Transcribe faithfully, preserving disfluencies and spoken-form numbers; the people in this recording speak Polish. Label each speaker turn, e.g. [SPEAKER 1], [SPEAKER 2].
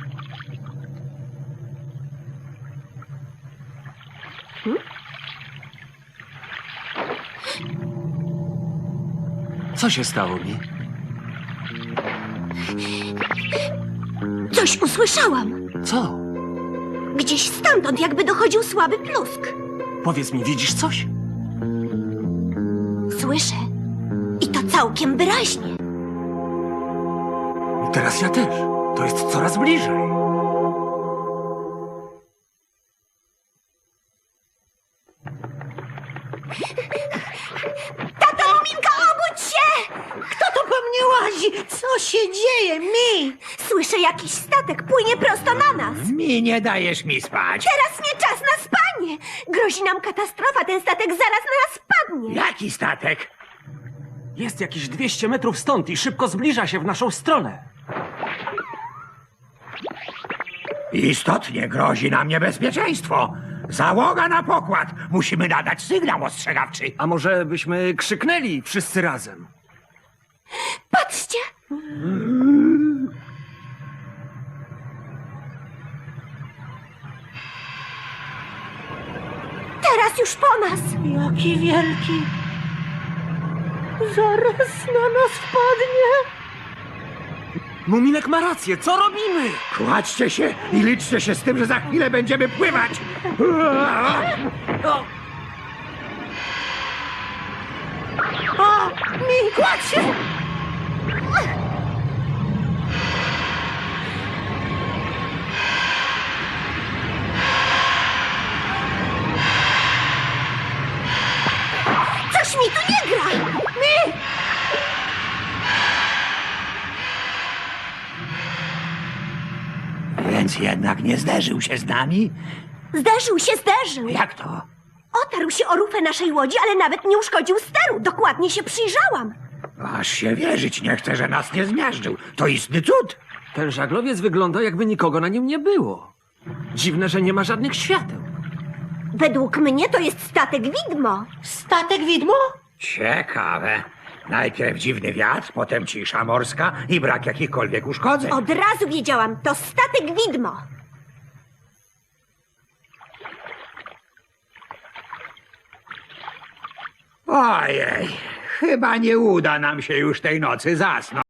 [SPEAKER 1] Co się stało mi?
[SPEAKER 2] Coś usłyszałam.
[SPEAKER 1] Co?
[SPEAKER 2] Gdzieś stamtąd jakby dochodził słaby plusk.
[SPEAKER 1] Powiedz mi, widzisz coś?
[SPEAKER 2] Słyszę. I to całkiem wyraźnie.
[SPEAKER 1] I teraz ja też. To jest coraz bliżej.
[SPEAKER 2] Tato Muminka, obudź się!
[SPEAKER 3] Kto to po mnie łazi? Co się dzieje mi?
[SPEAKER 2] Słyszę jakiś statek, płynie prosto na nas.
[SPEAKER 4] Mi nie dajesz mi spać.
[SPEAKER 2] Teraz nie czas na spanie. Grozi nam katastrofa, ten statek zaraz na nas spadnie.
[SPEAKER 4] Jaki statek?
[SPEAKER 1] Jest jakieś dwieście metrów stąd i szybko zbliża się w naszą stronę.
[SPEAKER 4] Istotnie grozi nam niebezpieczeństwo. Załoga na pokład. Musimy nadać sygnał ostrzegawczy.
[SPEAKER 1] A może byśmy krzyknęli wszyscy razem?
[SPEAKER 2] Patrzcie! Teraz już po nas.
[SPEAKER 3] Jaki wielki. Zaraz na nas wpadnie.
[SPEAKER 1] Muminek ma rację, co robimy?
[SPEAKER 4] Kładźcie się i liczcie się z tym, że za chwilę będziemy pływać.
[SPEAKER 1] O,
[SPEAKER 3] O, mi, kładź się!
[SPEAKER 2] Coś mi tu nie gra.
[SPEAKER 3] Mi!
[SPEAKER 4] Więc jednak nie zderzył się z nami?
[SPEAKER 2] Zderzył się, zderzył.
[SPEAKER 4] Jak to?
[SPEAKER 2] Otarł się o rufę naszej łodzi, ale nawet nie uszkodził steru. Dokładnie się przyjrzałam.
[SPEAKER 4] Aż się wierzyć nie chcę, że nas nie zmiażdżył. To istny cud.
[SPEAKER 1] ten żaglowiec wygląda, jakby nikogo na nim nie było. Dziwne, że nie ma żadnych świateł.
[SPEAKER 2] Według mnie to jest statek widmo.
[SPEAKER 3] Statek widmo?
[SPEAKER 4] Ciekawe. Najpierw dziwny wiatr, potem cisza morska i brak jakichkolwiek uszkodzeń.
[SPEAKER 2] Od razu wiedziałam, to statek widmo.
[SPEAKER 4] Ojej, chyba nie uda nam się już tej nocy zasnąć.